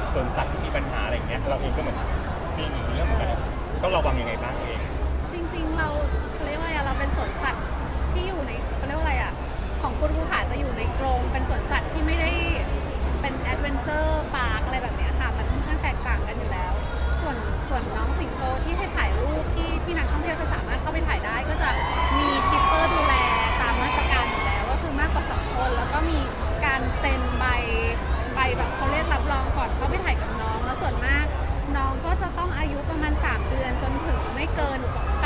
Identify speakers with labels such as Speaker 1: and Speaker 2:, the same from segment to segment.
Speaker 1: สวนสัตว์ที่มีปัญหาอะไรอย่างเงี้ยเราเองก็เหมือนมีเรื่องเหมือนกันต้องระวังยังไงบ้างเอง
Speaker 2: จริงๆเราเรียกว่าอะไรเราเป็นสวนสัตว์ที่อยู่ในเขาเรียกว่าอะไรอ่ะของคุณภูผาจะอยู่ในกรงเป็นสวนสัตว์ที่ไม่ได้เป็นแอดเวนเจอร์พาร์คอะไรแบบเนี้ยค่ะมันค่อนข้างแตกต่างกันอยู่แล้ว ส่วนน้องสิงโตที่ให้ถ่ายรูปที่นักท่องเที่ยวจะสามารถเข้าไปถ่ายได้ก็จะมีคีปเปอร์ดูแลตามมาตรการอยู่แล้วก็คือมากกว่า2คนแล้วก็มีการเซ็นใบแบบเขาเรียกรับรองก่อนเข้าไปถ่ายกับน้องแล้วส่วนมากน้องก็จะต้องอายุประมาณ3เดือนจนถึงไม่เกิน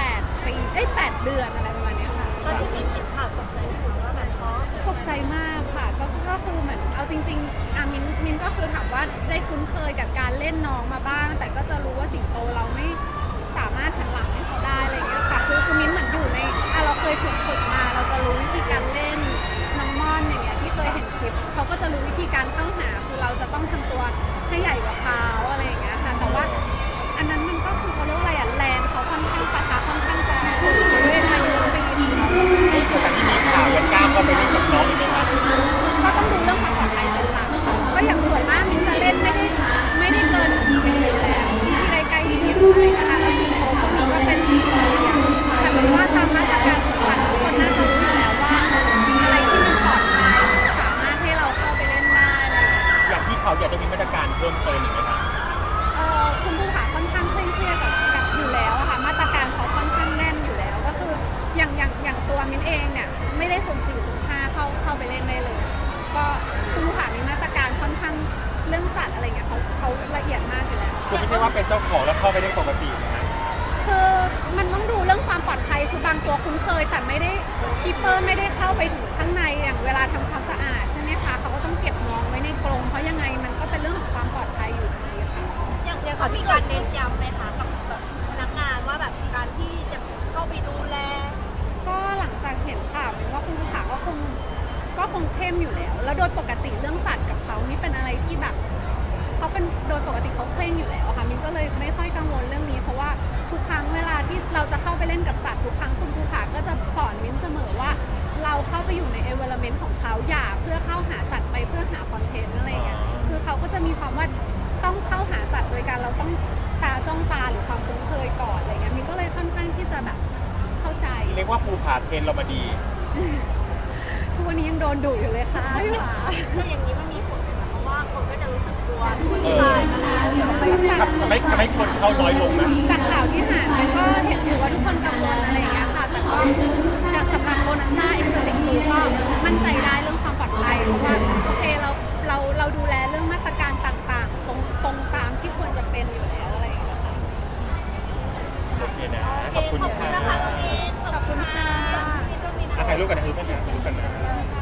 Speaker 2: 8 ปี8 เดือนอะไรประมาณเนี้ยค่ะ
Speaker 3: ตอนที่มีเห็นข่าวตกใจไหมคะว่าแบบเพราะ
Speaker 2: ตกใจมากค่ะก็คือเหมือนเอาจริงๆมินก็คือถามว่าได้คุ้นเคยกับการเล่นน้องมาบ้าง แต่ก็จะรู้ว่าสิงโตเราไม่สามารถหันหลังให้เขาได้อะไรอย่างเงี้ยค่ะคือมินเหมือนอยู่ในเราเคยถูกฝึกมาเราจะรู้วิธีการเล่นน้องม่อนอย่างเงี้ยที่เคยเห็นคลิปเขาก็จะรู้วิธีการเข้าหาคือเราจะต้องทำตัวให้ใหญ่กว่าเขาอะไรอย่างเงี้ยค่ะแต่ว่าอันนั้นมันก็คือเขาเรียกว่าอะไรแรงเขาค่อนข้างปะทะค่อนข้างจะสูงด้วยอายุปีของเขา
Speaker 1: แต่ที่มีข่าวยังกล้าเข้าไปเล่นกับน้องอีกไหมครับ
Speaker 2: ก็ต้องดูเรื่องความปลอดภัยเป็นหลักค่ะก็อย่างส่วนมากมินจะเล่นไม่ได้เกิน1 ปีอยู่แล้วที่ได้ใกล้ชิดอะไรนะคะแล้วสิงโตพวกนี้ก็เป็นสิงโตเลี้ยงแต่เป็นว่าตามมาตรการสวนสัตว์ทุกคนน่าจะรู้อยู่แล้วว่าอะไรที่มันปลอดภัยสามารถให้เราเข้าไปเล่นได้อะไร
Speaker 1: อย่างที่เขาอยากจะมีมาตรการเพิ่มเติมอีกไหมครับ
Speaker 2: คุณภูผาค่อนข้างเคร่งเครียดกับอยู่แล้วอะค่ะมาตรการเขาค่อนข้างแน่นอยู่แล้วก็คืออย่างตัวมินเองเนี่ยไม่ได้สุ่ม4สุ่ม5เข้าไปเล่นได้เลยก็คุณภูผามีมาตรการค่อนข้างเรื่องสัตว์อะไรเงี้ยเขาละเอียดมากอยู่แล้ว
Speaker 1: คือไม่ใช่ว่าเป็นเจ้าของแล้วเข้าไปเล่นปกตินะฮะ
Speaker 2: คือมันต้องดูเรื่องความปลอดภัยคือบางตัวคุ้นเคยแต่ไม่ได้คีปเปอร์ไม่ได้เข้าไปถึงข้างในอย่างเวลาทำความสะอาดใช่ไหมคะเขาก็ต้องเก็บน้องไว้ในกรงเพราะยังไงมันก็เป็นเรื่องของความปลอดภัยอยู่ดีค่ะ
Speaker 3: อย่างเขามีการเน้นย้ำไหมคะกับแบบพนักงานว่าแบบการที่จะเข้าไปดูแล
Speaker 2: ก็หลังจากเห็นข่าวว่าคุณภูผาก็คงเข้มอยู่แล้วโดยปกติเรื่องสัตว์กับเขานี่เป็นอะไรที่แบบเขาเป็นโดยปกติเขาเคร่งอยู่แล้วค่ะมินก็เลยไม่ค่อยกังวลเรื่องนี้เพราะว่าทุกครั้งเวลาที่เราจะเข้าไปเล่นกับสัตว์ทุกครั้งคุณภูผาก็จะสอนมินเสมอว่าเราเข้าไปอยู่ใน environment ของเขาอย่าเพื่อเข้าหาสัตว์ไปเพื่อหาคอนเทนต์อะไรอย่างเงี้ยคือเขาก็จะมีความว่าต้องเข้าหาสัตว์โดยการเราต้องตาจ้องตาหรือความคุ้นเคยก่อนอะไรเงี้ยมินก็เลยค่อนข้างที่จะแบบเข้าใจ
Speaker 1: เรียกว่าภูผาเทรนเรามาดี
Speaker 2: ทุกวันนี้ยังโดนดุอยู่เลยค่ะพี่หวา
Speaker 3: ถ้าอย่างนี้มันมีผลไหมคะเพราะว่าคนก็จะรู้สึกกลัวสวนสัตว์อะไรอย่างเงี้ย
Speaker 1: ทำให้คนเข้าน้อยลงนะ
Speaker 2: จากข่าวที่ผ่านมันก็เห็นอยู่ว่าทุกคนกังวลอะไรอย่างเงี้ยค่ะแต่ก็สำหรับโบนัสซ่าเอ็กซ์เซอร์ซูก็มั่นใจได้เรื่องความปลอดภัยเพราะว่าโอเคเราดูแลเรื่องมาตรการต่างๆตรงตามที่ควรจะเป็นอยู่แล้วอะไรอย่างเงี้ยค่ะ
Speaker 1: โอเคนะขอบคุณ
Speaker 3: นะคะน้องมิน
Speaker 2: ขอบคุณค่ะ
Speaker 1: ถ่ายรูปกันนะถ่ายรูปกันนะ